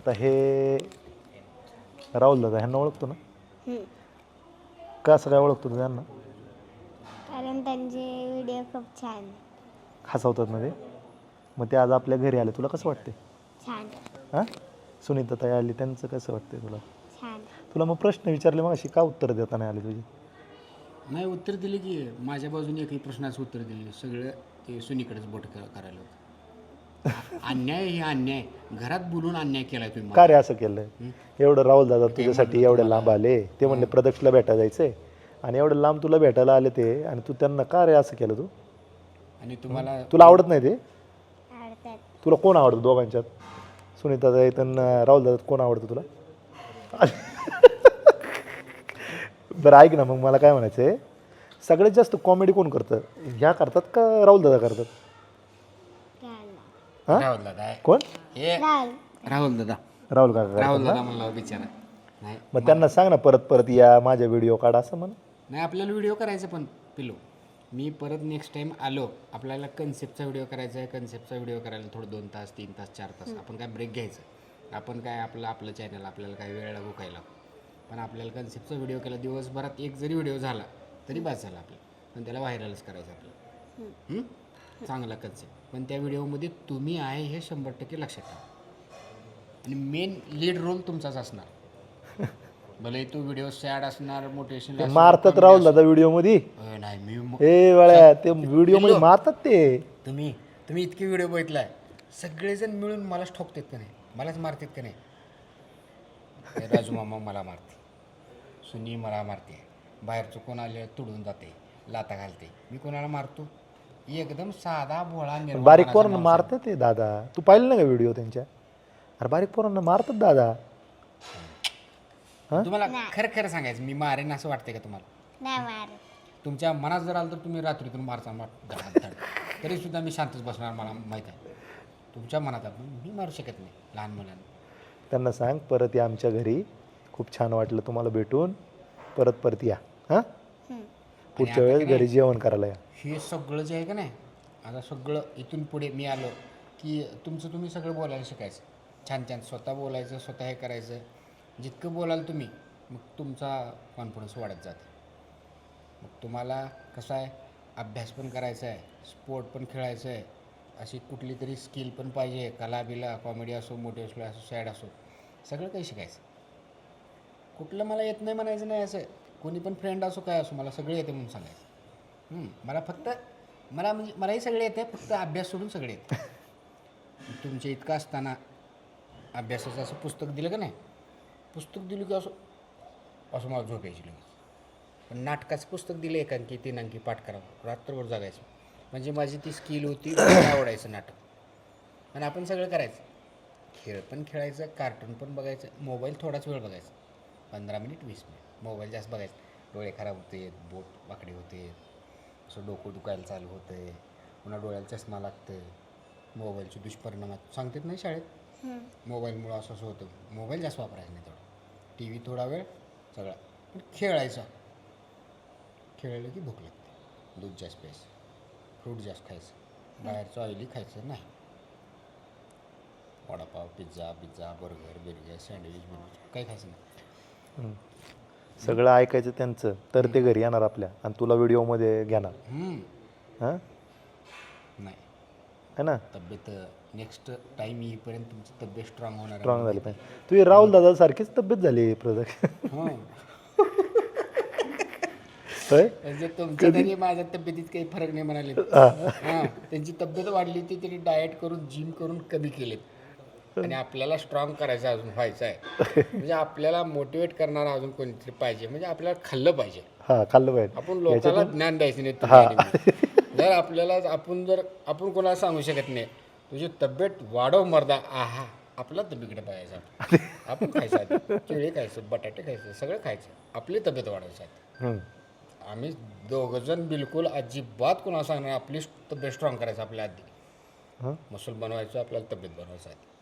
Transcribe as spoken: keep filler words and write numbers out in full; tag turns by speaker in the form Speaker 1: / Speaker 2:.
Speaker 1: आता हे राहुल दादा ह्यांना ओळखतो ना?
Speaker 2: हम्म.
Speaker 1: का असं काय ओळखतो तू त्यांना?
Speaker 2: कारण त्यांचे व्हिडिओ खूप छान
Speaker 1: हसवतात ना ते. मग ते आज आपल्या घरी आले, तुला कसं वाटते?
Speaker 2: छान
Speaker 1: हां, सुनीता ताई आली, त्यांचं कसं वाटते तुला?
Speaker 2: छान.
Speaker 1: तुला मग प्रश्न विचारले मग अशी का उत्तर देता नाही आली तुझी?
Speaker 3: नाही उत्तर दिले की माझ्या बाजूने एकही प्रश्नाचं उत्तर दिले सगळं ते सुनीकडेच बोट क- करायला होतं. आ- अन्याय हे अन्याय घरात बोलून अन्याय केलाय तुम्ही
Speaker 1: का रे
Speaker 3: मला.
Speaker 1: असं केलं? एवढं राहुल दादा तुझ्यासाठी एवढे लांब आले, ते म्हणले प्रदक्षला भेटायला जायचे आणि एवढं लांब तुला भेटायला आले ते, आणि तू त्यांना का रे असं केलं? तू
Speaker 3: आणि तुम्हाला
Speaker 1: तुला आवडत नाही ते?
Speaker 2: आवडतात.
Speaker 1: तुला कोण आवडतं दोघांच्यात? सुनीता ताई आणि राहुल दादा कोण आवडतं तुला? बरं ऐक ना, मग मला काय म्हणायचं आहे, सगळ्यात जास्त कॉमेडी कोण करतं? ह्या करतात का राहुल दादा करतात?
Speaker 2: राहुल
Speaker 1: हां,
Speaker 3: राहुल दादा आहे.
Speaker 1: कोण?
Speaker 3: हे
Speaker 2: राहुल
Speaker 3: राहुल दादा
Speaker 1: राहुल काका
Speaker 3: राहुल
Speaker 1: करतात
Speaker 3: दादा
Speaker 1: ना?
Speaker 3: म्हणला बिचारा. नाही
Speaker 1: मग त्यांना सांग ना परत परत या, माझ्या व्हिडिओ काढा असं म्हण.
Speaker 3: नाही आपल्याला व्हिडिओ करायचा पण पिलो मी परत नेक्स्ट टाइम आलो आपल्याला कन्सेप्टचा व्हिडिओ करायचा आहे. कन्सेप्टचा व्हिडिओ करायला थोडं दोन तास तीन तास चार तास आपण काय ब्रेक घ्यायचं. आपण काय आपलं आपलं चॅनल आपल्याला काय वेळ लागू काय लागू, पण आपल्याला कन्सेप्टचा व्हिडिओ केला दिवसभरात एक जरी व्हिडिओ झाला तरी बस झाला आपलं. पण त्याला व्हायरलच करायचं आपलं. हं? चांगला कन्सेप्ट, पण त्या व्हिडिओमध्ये तुम्ही आहे हे शंभर टक्के लक्षात ठेवा आणि मेन लीड रोल तुमचाच असणार. भले तो व्हिडिओ सॅड असणार मोटिवेशनल
Speaker 1: ते मारतात राहुल दादा व्हिडिओ मध्ये.
Speaker 3: नाही मी म-
Speaker 1: ए वेळा ते व्हिडिओ मध्ये मारतात ते.
Speaker 3: तुम्ही तुम्ही इतके व्हिडिओ बघितलाय सगळेजण मिळून मलाच ठोकतात का नाही, मलाच मारतात का नाही. हे राजू मामा मला मारते, सुनी मला मारते, बाहेरचं कोण आले तुडून जाते, लाता घालते. मी कोणाला मारतो? एकदम साधा भोळा निर्मळ
Speaker 1: बारीक
Speaker 3: मनाचा
Speaker 1: पोरांना
Speaker 3: माणूस
Speaker 1: मारतात ते दादा. तू पाहिलं ना का व्हिडिओ त्यांच्या? अरे बारीक पोरांना मारतात दादा.
Speaker 3: आहे. तुम्हाला खरं खरं सांगायचं मी मारेन असं वाटतंय का तुम्हाला?
Speaker 2: नाही मारत.
Speaker 3: तुमच्या मनात जर आलं तर तुम्ही रात्रीतून मारचा मार तरी सुद्धा मी शांतच बसणार. मला माहीत आहे तुमच्या मनात आहे, पण मी मारू शकत नाही लहान मुलांना.
Speaker 1: त्यांना सांग परत या आमच्या घरी, खूप छान वाटलं तुम्हाला भेटून, परत परत या. हां,
Speaker 2: हम्म.
Speaker 1: पुढच्या वेळेस घरी जेवण करायला या.
Speaker 3: हे सगळं जे आहे का नाही आता सगळं इथून पुढे मी आलो की तुमचं तुम्ही सगळं बोलायला शिकायचं. छान छान स्वतः बोलायचं, स्वतः हे करायचं. जितकं बोलाल तुम्ही मग तुमचा कॉन्फिडन्स वाढत जाते. मग तुम्हाला कसं आहे अभ्यास पण करायचा आहे, स्पोर्ट पण खेळायचं आहे, अशी कुठली तरी स्किल पण पाहिजे, कला बिला कॉमेडी असो मोटिवेशनल असो सॅड असो सगळं काही शिकायचं. कुठलं मला येत नाही म्हणायचं नाही. असं कोणी पण फ्रेंड असो काय असो मला सगळे येते म्हणून सांगायचं. हं, मला फक्त मला म्हणजे मलाही सगळे येते, फक्त अभ्यास सोडून सगळे येते. तुमच्या इतकं असताना अभ्यासाचं असं पुस्तक दिलं का नाही, पुस्तक दिलं की असं असं मला झोप यायची लगेच. पण नाटकाचं पुस्तक दिलं एकांकी तीनांकी पाठ करावं रात्रभर जागायचं. म्हणजे माझी ती स्किल होती, मला आवडायचं नाटक. आणि आपण सगळं करायचं, खेळ पण खेळायचं, कार्टून पण बघायचं, मोबाईल थोडाच वेळ बघायचा, पंधरा मिनिट वीस मिनिट मोबाईल जास्त बघायचं. डोळे खराब होते, बोट वाकडे होते, असं डोकं दुखायला चालू होतं, पुन्हा डोळ्याला चष्मा लागतं. मोबाईलचे दुष्परिणामात सांगतात नाही शाळेत, मोबाईलमुळं असं असं होतं. मोबाईल जास्त वापरायचा नाही, थोडा टी व्ही थोडा वेळ सगळा, पण खेळायचा. खेळलं की भूक लागते, दूध जास्त प्यायचं, फ्रूट जास्त खायचं, बाहेरचं ऑइली खायचं नाही. Vada pav pizza pizza burger burger sandwich burger काही खायचं नाही.
Speaker 1: सगळं ऐकायचं त्यांचं, तर ते घरी येणार आपल्या आणि तुला व्हिडिओमध्ये घेणार.
Speaker 3: हम्म.
Speaker 1: हां,
Speaker 3: नाही
Speaker 1: है ना?
Speaker 3: तब्येत नेक्स्ट टाईम येईपर्यंत तुमची तब्येत स्ट्रॉंग होणार आहे.
Speaker 1: स्ट्रॉंग झाली पाहिजे. तुझी राहुल दादा सारखीच तब्येत झाली प्रदक्ष.
Speaker 3: हां
Speaker 1: होय,
Speaker 3: म्हणजे तुमच्या तरी माझ्या तब्येतीत काही फरक नाही म्हणाले. हां त्यांची तब्येत वाढली ती तरी डाएट करून जिम करून कमी केलेत. आणि आपल्याला स्ट्रॉंग करायचं अजून व्हायचं आहे. म्हणजे आपल्याला मोटिवेट करणारा अजून कोणीतरी पाहिजे. म्हणजे आपल्याला खाल्लं पाहिजे.
Speaker 1: हां खाल्लं पाहिजे.
Speaker 3: आपण लोकांना ज्ञान द्यायचं नाही तुम्ही आणि मी. जर आपल्याला आपण जर आपण कोणाला सांगू शकत नाही तुझी तब्येत वाढव मर्दा, आहा आपला तब्येकडे पाहायचं. आपण खायचं आधी केळी खायचं, बटाटे खायचं, सगळं खायचं, आपली तब्येत वाढवायची आधी.
Speaker 1: हं.
Speaker 3: आम्ही दोघंजण बिलकुल अजिबात कोणाला सांगणार, आपली तब्येत स्ट्रॉंग करायचं आपल्या आधी. मसल बनवायचं, आपल्याला तब्येत बनवायचं आधी.